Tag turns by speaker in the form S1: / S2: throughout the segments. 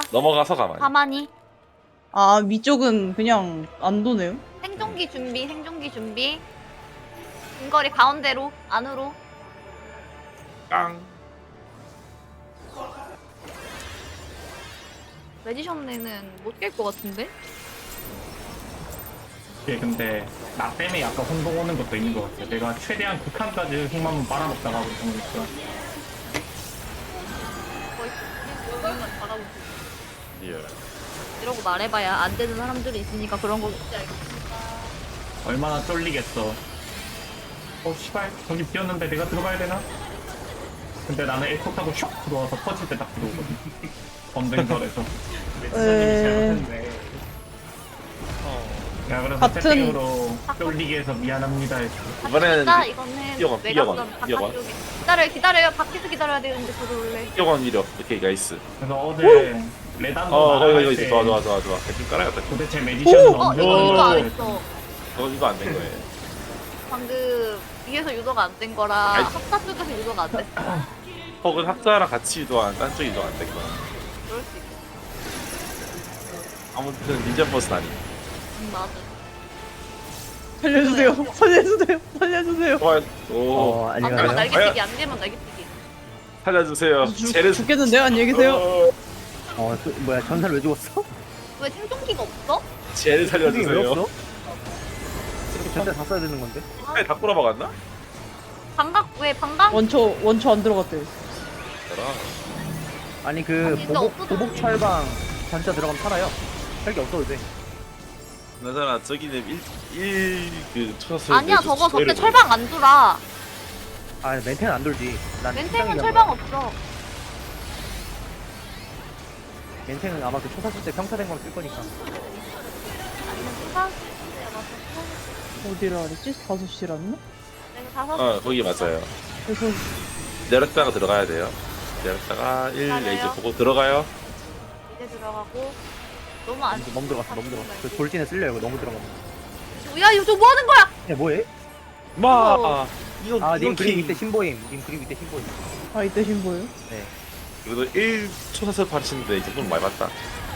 S1: 넘어가서 가만히.
S2: 가만히.
S3: 아 위쪽은 그냥 안 도네요?
S2: 생존기 준비, 생존기 준비. 근거리 가운데로, 안으로.
S1: 깡.
S2: 매지션네는 못 깰 것 같은데?
S4: 예, 근데 나 때문에 약간 혼동 오는 것도 있는 것 같아. 내가 최대한 극한까지 흑마문 빨아먹다가 하고 있는 거니까.
S2: 거의 여기만 바라보고.
S1: 리얼.
S2: 이러고 말해봐야 안 되는 사람들이 있으니까 그런 거겠지.
S4: 얼마나 쫄리겠어. 씨발, 저기 비었는데 내가 들어가야 되나? 근데 나는 에코 타고 슉 들어와서 터질 때 딱 들어오거든. 언젠가에서. 야, 그래서
S3: 같은-
S4: 채팅으로 쫄리게 해서 미안합니다 했어.
S1: 이번에는
S2: 이거는
S1: 뛰어가,
S2: 내가
S1: 뛰어가,
S2: 그럼
S1: 뛰어가.
S2: 바깥쪽에 기다려요. 밖에서 기다려야 되는데 들어올래.
S1: 뛰어간 위력. 오케이 나이스.
S4: 그래서 어제 레단도
S1: 거기
S4: 말할 때
S1: 좋아. 대충 깔아야겠다.
S4: 도대체 매지션은
S2: 어
S4: 언제
S2: 이거 유도 안
S4: 오는지
S2: 했어.
S1: 이거 안 된 거예요.
S2: 방금 위에서 유도가 안 된 거라
S1: 아이.
S2: 합사 쪽에서 유도가 안 됐어.
S1: 혹은 학자랑 같이 유도한 딴 쪽 유도 안 된 거야.
S2: 그럴 수 있어.
S1: 아무튼 닌자 버스는 아니.
S2: 맞아.
S3: 살려주세요. 살려주세요. 살려주세요.
S1: 좋아요. 오.
S2: 안
S5: 안녕하세요.
S2: 되면 날개뛰기, 안 되면 날개뛰기.
S1: 살려주세요. 쟤를
S3: 죽겠는데요? 안녕히 계세요.
S5: 뭐야, 전사를 왜 죽었어?
S2: 왜 생존기가 없어?
S1: 쟤를
S5: 왜
S1: 살려주세요.
S5: 없어? 이렇게 전사 다 써야 되는 건데?
S1: 팔 다 꼬라박았나?
S2: 방각 왜 방각?
S3: 원초 안 들어갔대요.
S1: 저랑
S5: 아니, 그,
S2: 진짜 없어도
S5: 보복 철방 전차 들어가면 살아요. 헬기 없어도 돼.
S1: 나잖아 저기는 그 쳤을
S2: 아니야 저거 저때 철방 안 돌아.
S5: 아, 멘탱은 안 돌지. 난
S2: 멘탱은
S5: 식당이란
S2: 철방
S5: 거야.
S2: 없어.
S5: 멘탱은 아마 그 초사 쓸 때 평타된 걸 쓸 거니까.
S2: 아니면 수사?
S3: 어디라 그랬지? 5시라나?
S2: 내가 다섯
S1: 거기 맞아요.
S3: 그래서
S1: 내렸다가 들어가야 돼요. 내렸다가 1
S2: 맞아요.
S1: 레이저 보고 들어가요.
S2: 이제 들어가고 너무 안.
S5: 너무 들어갔어, 너무 들어갔어. 그 돌진에 쓸려요, 이거 너무 들어가면.
S2: 야 이거 뭐 하는 거야?
S5: 야, 뭐해?
S1: 마 이거
S5: 아, 님 그림
S1: 이렇게
S5: 밑에 신보임. 님 그림 밑에 신보임.
S3: 아 이때 신보예요?
S5: 네.
S1: 그래도 1초 사슬 파르치는데 이 정도는 많이 봤다.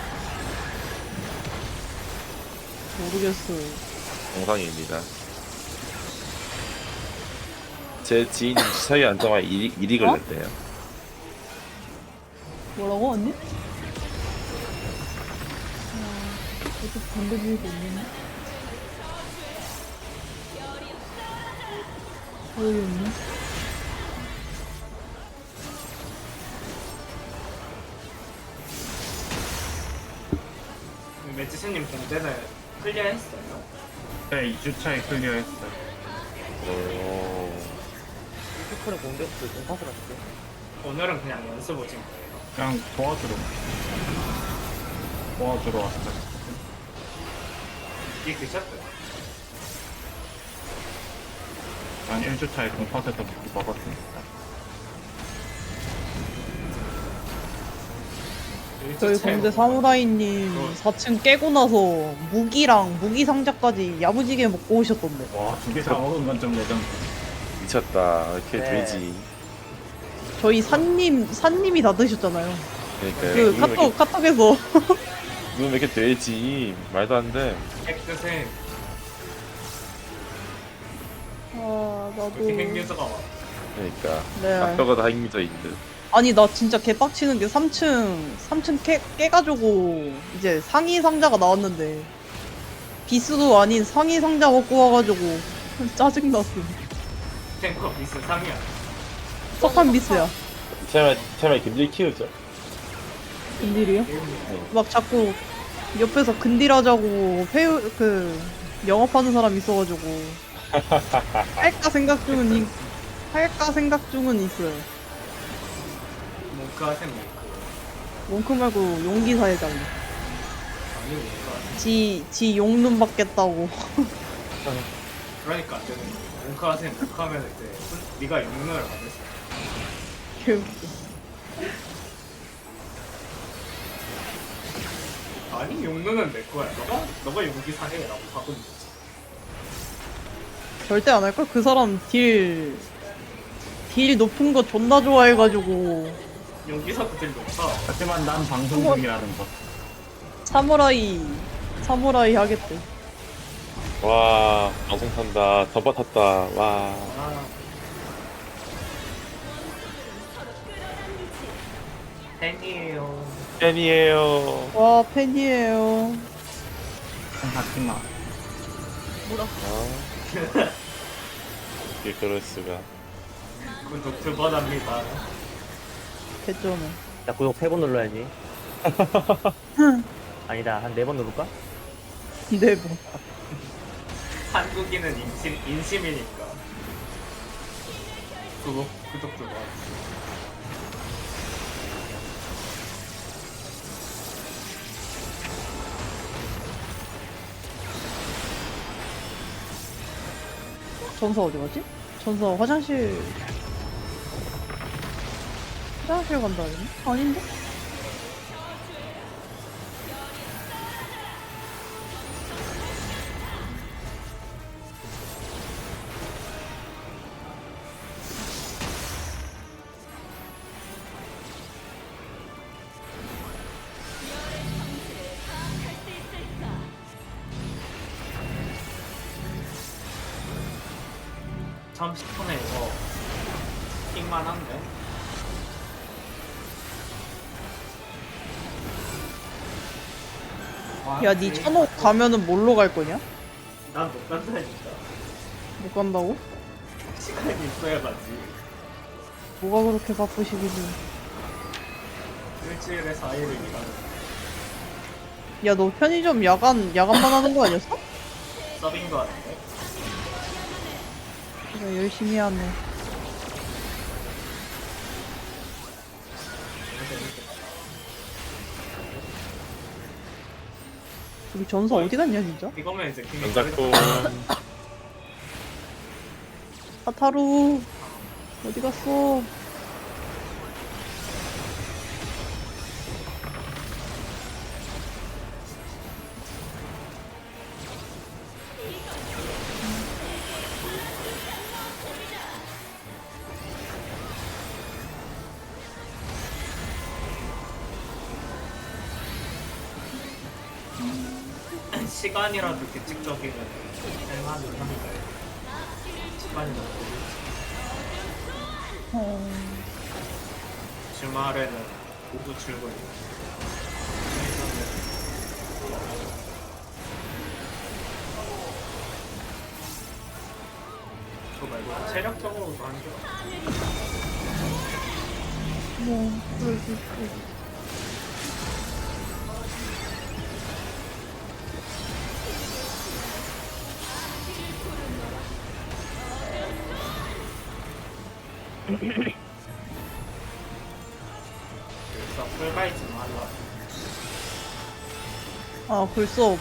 S3: 모르겠어요.
S1: 정상입니다. 제 지인이 주사위 안정화 1위 걸렸대요.
S3: 뭐라고 언니? 어떻게 반대지가 없는데? 어이 없네.
S6: 매지스님 공대는 클리어했어요?
S4: 네, 2주차에 클리어했어요.
S1: 오.
S5: 슈퍼는 공격수 전사수 같은데?
S6: 오늘은 그냥 연습 오신 거예요?
S4: 그냥 도와주러 왔어요.
S6: 이게 드셨어요?
S4: 난 1주차에 동파에서 먹었으니까.
S3: 저희 공대 사무라이님 4층 깨고 나서 무기랑 무기 상자까지 야무지게 먹고 오셨던데.
S4: 와, 2개 다 먹은 건 좀 레전드.
S1: 미쳤다. 이렇게
S5: 네.
S1: 되지.
S3: 저희 산님이 다 드셨잖아요.
S1: 그러니까
S3: 그 카톡에서
S1: 이건 왜 이렇게 되지? 말도 안 돼.
S6: 핵뜻에
S3: 아 나도
S6: 그렇게 핵유저가 와.
S1: 그러니까
S3: 네.
S1: 아빠가 다 힘들어 있는데.
S3: 아니 나 진짜 개빡치는 게 3층 깨가지고 이제 상위 상자가 나왔는데 비스도 아닌 상위 상자 먹고 와가지고 짜증났음.
S6: 탱커 비스 3이야.
S3: 석한 비스야.
S1: 처음에 김질 키우죠.
S3: 근딜이요? 막 자꾸 옆에서 근딜하자고 영업하는 사람 있어가지고 할까 생각 중은 있어요.
S6: 몽크 하셈 몽크.
S3: 몽크 말고 용기 사회장.
S6: 아니 몽크.
S3: 지 용눈 받겠다고.
S6: 그러니까 안 되는 거야. 몽크 하셈 몽크 하면 이제 네가 영능을 받을 수 있어.
S3: 개웃겨.
S6: 아니 용능은 내 거야. 너가 용기 사해라고 바꾸는 거지.
S3: 절대 안 할걸? 그 사람 딜 높은 거 존나 좋아해가지고
S6: 용기사도 딜 높아.
S4: 하지만 난 방송 중이라는 것.
S3: 사무라이 하겠대.
S1: 와 방송 탄다. 덤바 탔다. 와
S6: 아. 팬이에요.
S1: 팬이에요.
S3: 와 팬이에요.
S4: 하지마.
S1: 이게 그럴 수가.
S6: 구독 2번 합니다.
S3: 개쩌네.
S5: 나 구독 3번 눌러야지. 아니다, 한 4번 누를까?
S3: 네 뭐.
S6: 한국인은 인심이니까. 구독 2번.
S3: 전사 어디 가지? 전사 화장실 간다 했니? 아닌데?
S6: 참 10분에 이거 킹만한데?
S3: 야, 니 천옥 가면은 뭘로 갈 거냐?
S6: 난못 간다니까.
S3: 못 간다고?
S6: 시간이 있어야 가지.
S3: 뭐가 그렇게 바쁘시길래.
S6: 일주일에 4일을 일하는
S3: 야, 너 편의점 야간만 하는 거 아니었어?
S6: 서빙도 하는데.
S3: 그래, 열심히 하네. 우리 전사 어디 갔냐, 진짜?
S6: 이거면 이제 킹이
S1: 전작도
S3: 사타루 어디 갔어?
S6: 시간이라도 규칙적이면 할만은 한데 시간이 너무 주말에는 오후 출근. 그거 말고 체력적으로도 안 좋아.
S3: 뭐, 그럴 수 있고.
S6: 그래서 풀가이즈 좀 하려고.
S3: 아, 글쎄.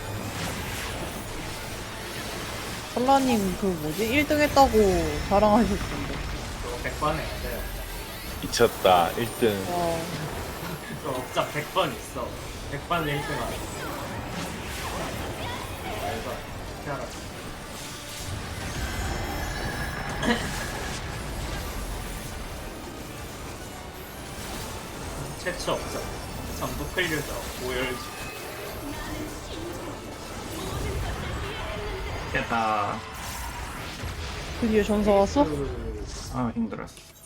S3: 설라님, 그 뭐지? 1등 했다고 자랑하셨던데.
S6: 그거 100번 해야 돼요.
S1: 미쳤다. 1등.
S3: 와,
S6: 그거 업자 100번 있어. 100번 1등 하고. 알바. 어떻게 알았어? 최초 업자. 전부 클류저. 오열주.
S4: 됐다.
S3: 드디어 전사 왔어?
S4: 아 힘들었어.